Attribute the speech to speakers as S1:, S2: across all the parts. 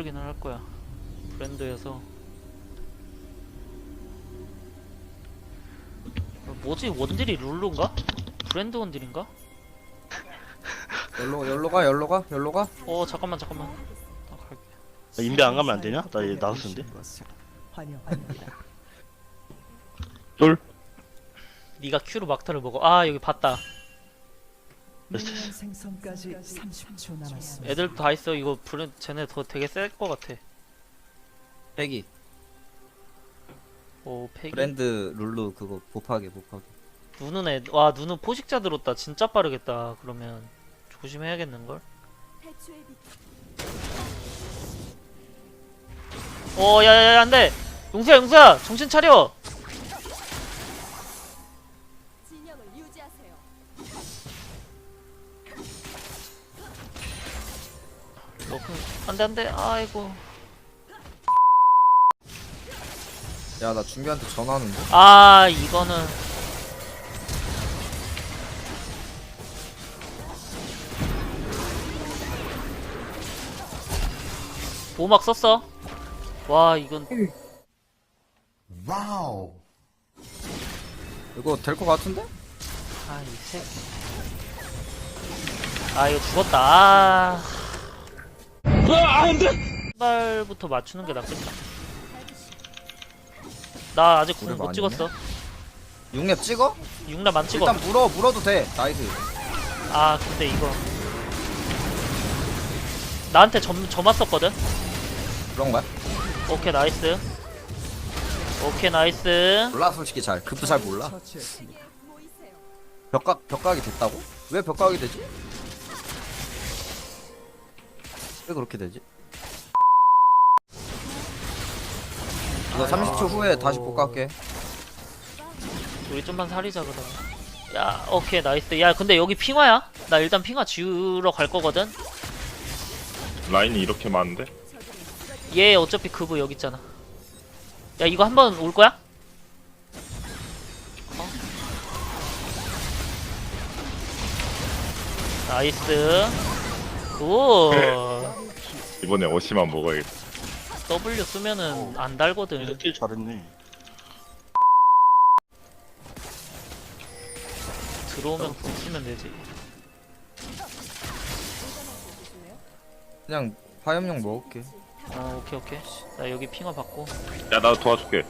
S1: 확인을 할 거야. 브랜드에서 뭐지? 원딜이 룰루인가? 브랜드 원딜인가?
S2: 열로가?
S1: 잠깐만 나 갈게.
S3: 나 인베 안 가면 안 되냐? 나 얘 나왔는데. 쫄.
S1: 네가 Q로 막타를 먹어. 아 여기 봤다.
S4: 생성까지 30초 남았습니다.
S1: 애들도 다 있어. 이거 쟤네 더 되게 셀 것 같아.
S2: 패기
S1: 오 패기.
S2: 브랜드 룰루 그거 곱하기
S1: 와 누누 포식자 들었다. 진짜 빠르겠다. 그러면 조심해야겠는걸? 야야야 안돼. 용수야 정신 차려.
S5: 진영을 유지하세요.
S1: 안돼 아이고.
S2: 야 나 준비한테 전화하는데?
S1: 아 이거는 보호막 썼어. 와 이건
S6: 와우.
S2: 이거 될 것 같은데?
S1: 아 이 새끼. 아 이거 죽었다. 안돼. 발부터 맞추는 게 낫겠다. 나 아직 궁 못 찍었어.
S2: 6렙 찍어?
S1: 6렙 안 찍어.
S2: 일단 물어도 돼. 나이스.
S1: 아 근데 이거 나한테 점 왔었거든.
S2: 그런 거야?
S1: 오케이 나이스. 오케이 나이스.
S2: 몰라 솔직히 급도 잘 몰라.
S4: 처치했습니다.
S5: 모이세요.
S2: 벽각이 됐다고? 왜 벽각이 되지? 왜 그렇게 되지? 이거 30초 후에 다시 복각할게.
S1: 우리 좀만 살리자 그러면. 야 오케이 나이스. 야 근데 여기 핑화야? 나 일단 핑화 지우러 갈 거거든.
S7: 라인이 이렇게 많은데?
S1: 얘 어차피 그브 여기 있잖아. 야 이거 한번 올 거야? 나이스. 오.
S7: 이번에 어시만 먹어야겠다.
S1: W 쓰면은 안 달거든.
S3: 킬 잘했네.
S1: 들어오면 궁 쓰면 되지.
S2: 그냥 화염용 먹을게.
S1: 오케이. 나 여기 핑화 받고.
S7: 야, 나 도와줄게.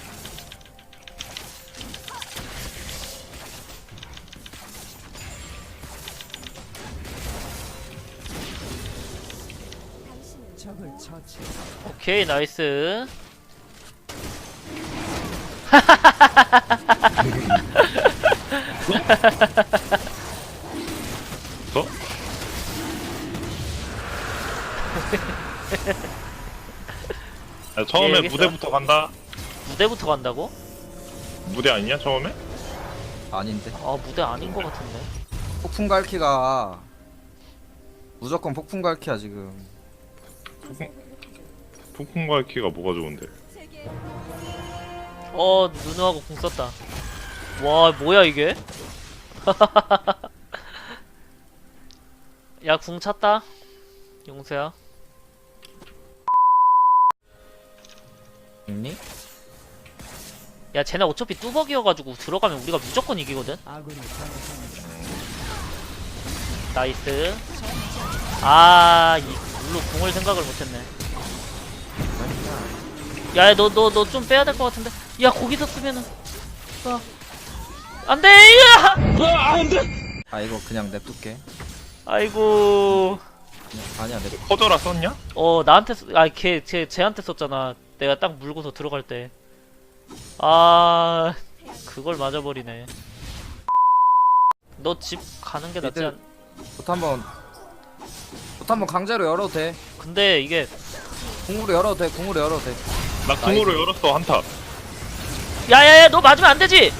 S4: 적을 처치.
S1: 오케이 나이스.
S7: 어? 야, 처음에
S1: 알겠어.
S7: 무대부터 간다.
S1: 무대부터 간다고?
S7: 무대 아니냐, 처음에?
S2: 아닌데.
S1: 아 무대 아닌 것 같은데.
S2: 폭풍 갈키가 무조건 폭풍 갈키야 지금.
S7: 폭풍과 키가 뭐가 좋은데?
S5: 제게
S1: 누누하고 궁 썼다. 와 뭐야 이게? 야 궁 찼다. 용수야.
S2: 있니?
S1: 야 쟤네 어차피 뚜벅이어가지고 들어가면 우리가 무조건 이기거든.
S4: 아군이 당했습니다.
S1: 나이스. 이 물로 궁을 생각을 못했네. 야 너 좀 빼야 될 것 같은데. 야 거기서 쓰면은 안돼.
S2: 아 이거 그냥 냅둘게.
S1: 아이고.
S2: 아니야 냅.
S7: 커져라 썼냐?
S1: 나한테 쟤한테 썼잖아. 내가 딱 물고서 들어갈 때. 그걸 맞아버리네. 너 집 가는 게 낫지 않?
S2: 봇 한번 강제로 열어도 돼.
S1: 근데 이게
S2: 궁으로 열어도 돼.
S7: 나 궁으로 열었어, 한타.
S1: 야야야 너 맞으면 안 되지.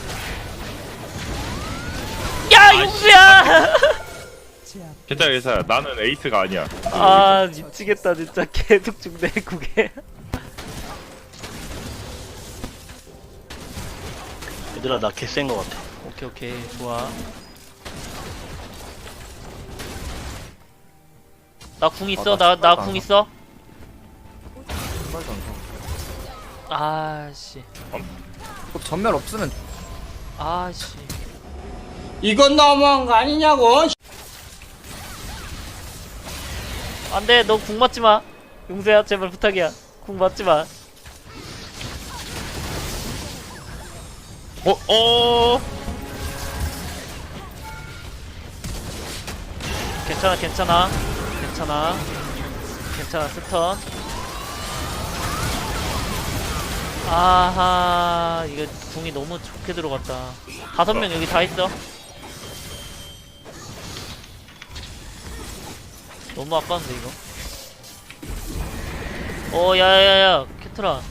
S1: 야 용수야.
S4: 제압.
S7: 괜찮아. 나는 에이스가 아니야.
S1: 미치겠다 진짜. 계속 죽네 그게.
S3: 얘들아 나 개센 거 같아.
S1: 오케이 좋아. 나 궁 있어.
S2: 나
S1: 나
S2: 신발도
S1: 궁
S2: 안
S1: 있어. 아씨.
S2: 꼭 전멸 없으면
S1: 아씨.
S6: 이건 너무한 거 아니냐고.
S1: 안돼, 너 궁 맞지 마. 용서야, 제발 부탁이야. 궁 맞지 마. 괜찮아, 괜찮아, 괜찮아, 괜찮아. 스턴. 아하, 이거 궁이 너무 좋게 들어갔다. 5명 여기 다 있어. 너무 아까운데 이거. 야야야야, 캐트라.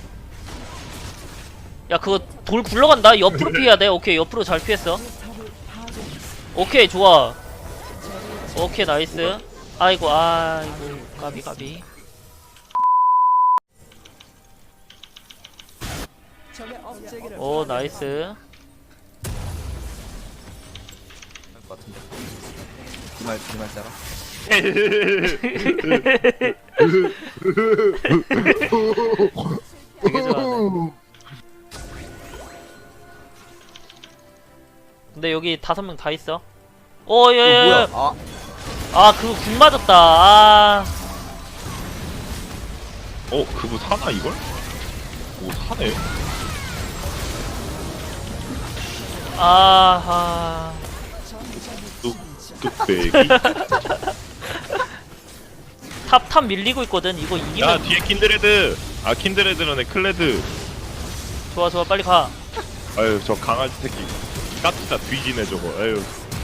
S1: 야, 그거 돌 굴러간다. 옆으로 피해야 돼. 오케이, 옆으로 잘 피했어. 오케이, 좋아. 오케이, 나이스. 아이고, 까비 까비.
S4: 적의 업체기를
S1: 오, 나이스.
S2: 할것 같은데. 이말 따라.
S1: 되게 좋아하네. 근데 여기 5명 다 있어. 오,
S2: 이거
S1: 예.
S2: 뭐야? 아,
S1: 그거 궁 맞았다. 아.
S7: 그거 사나 이걸? 오 사네.
S1: 아하.
S7: 뚝배기.
S1: 탑 밀리고 있거든. 이거
S7: 야
S1: 이기면
S7: 뒤에 킨드레드. 아 킨드레드라네 클레드.
S1: 좋아, 빨리 가.
S7: 아유 저 강아지 새끼. 까투다 뒤지네 저거. 아유.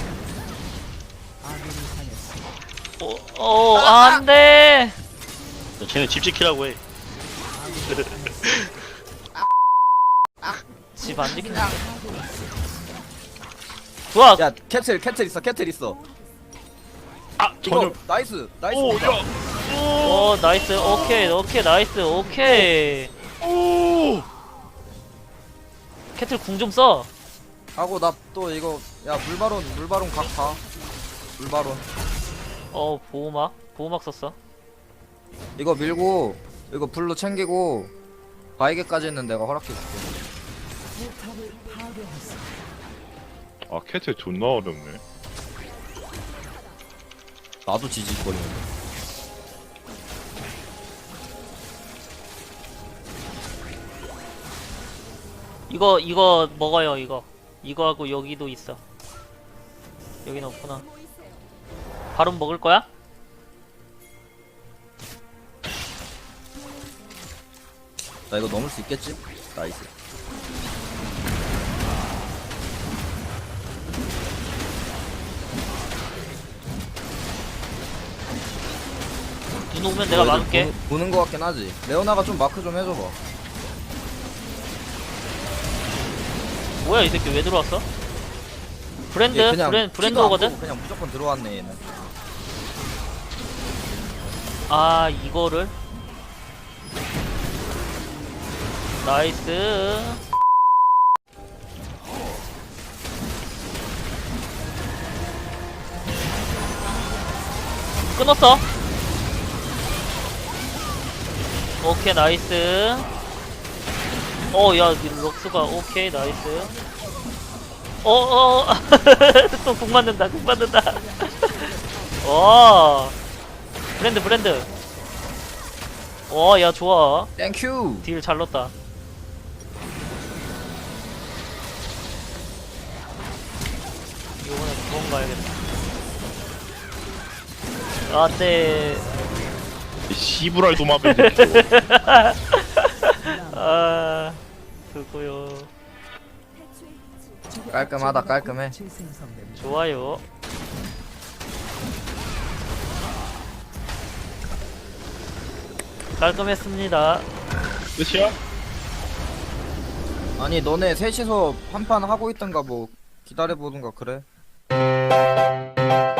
S4: 아군이 당했습니다.
S1: 안 돼.
S3: 쟤네 집 지키라고 해.
S1: 집 안 지키는데. 좋아.
S2: 야 캐틀 있어.
S7: 아
S2: 이거
S7: 전혀.
S2: 나이스.
S7: 오 야.
S1: 나이스. 오케이, 나이스. 오케이.
S7: 오.
S1: 캐틀 궁 좀 써.
S2: 하고 나 또 이거 야 물바론 각 봐. 물바론.
S1: 보호막 썼어.
S2: 이거 밀고 이거 블루 챙기고 바이게까지는 내가 허락해줄게.
S4: 포탑을 파괴했습니다.
S7: 아 캐트 존나 어렵네.
S2: 나도 지직거리는데.
S1: 이거 먹어요. 이거 하고 여기도 있어. 여기는 없구나.
S5: 모이세요.
S1: 바로 먹을 거야?
S2: 나 이거 넘을 수 있겠지? 나이스.
S1: 눈 오면 내가 막을게.
S2: 보는 거 같긴 하지. 레오나가 좀 마크 좀 해줘봐.
S1: 뭐야, 이 새끼 왜 들어왔어? 브랜드?
S2: 얘 그냥
S1: 브랜드
S2: 키도 안
S1: 오거든?
S2: 보고 그냥 무조건 들어왔네 얘는.
S1: 아, 이거를? 나이스. 끊었어. 오케이, 나이스. 야, 럭스가 오케이, 나이스. 또 공 맞는다. 브랜드. 야, 좋아.
S2: 땡큐.
S1: 딜 잘 넣었다. 이번엔 구원 가야겠다. 안돼.
S7: 시부랄 도마뱀 새끼.
S1: 그거요.
S5: 대추의 빛이
S4: 적의
S2: 깔끔하다,
S4: 업체기가
S2: 깔끔해.
S4: 재생성됩니다.
S1: 좋아요. 깔끔했습니다.
S7: 끝이야?
S2: 아니 너네 셋이서 한 판 하고 있던가 뭐 기다려보던가 그래.